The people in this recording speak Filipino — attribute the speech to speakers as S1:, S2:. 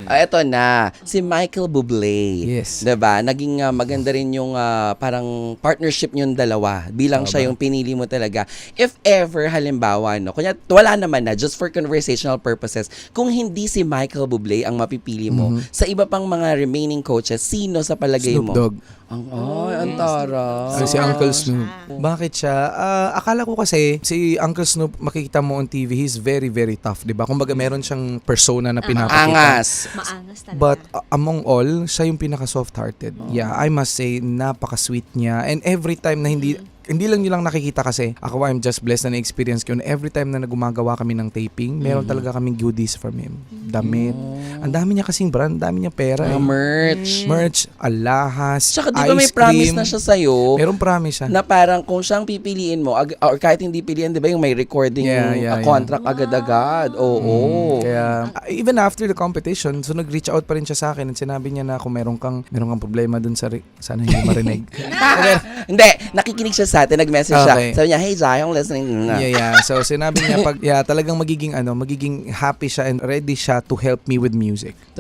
S1: Eto na, si Michael Bublé.
S2: Yes.
S1: Diba? Naging maganda rin yung parang partnership niyong dalawa. Bilang siya yung pinili mo talaga. If ever, halimbawa, no, kunya, wala naman na, just for conversational purposes, kung hindi si Michael Bublé ang mapipili mo, sa iba pang mga remaining coaches, sino sa palagay
S2: Snoop
S1: mo?
S2: Dogg.
S1: Ang tara.
S2: Si Uncle Snoop. Bakit siya? Akala ko kasi si Uncle Snoop, makikita mo on TV, he's very, very tough, di ba? Kumbaga meron siyang persona na pinapakita.
S1: Angas.
S3: Maangas talaga.
S2: But among all, siya yung pinaka-soft-hearted. Yeah, I must say, napaka-sweet niya. And every time na hindi lang nilang nakikita kasi, ako I'm just blessed na na-experience ko. Every time na gumagawa kami ng taping, meron talaga kaming goodies from him. Damit. Ang dami niya kasing brand, ang dami niya pera.
S1: Merch.
S2: Merch, alahas,
S1: Tsaka di
S2: ice
S1: ba may
S2: cream.
S1: promise na siya sa'yo?
S2: Meron promise siya.
S1: Na parang kung siyang pipiliin mo, or kahit hindi piliin, di ba yung may recording contract agad-agad? Oo.
S2: Kaya, even after the competition, so nag-reach out pa rin siya sa akin at sinabi niya na kung meron kang problema dun sa, sana hindi marinig.
S1: Hindi, nakikinig siya sa atin, nag-message siya.
S2: Okay.
S1: Sabi niya, hey, Zay, I'm listening.
S2: Yeah. So, sinabi niya, talagang magiging happy siya and ready siya to help me with music.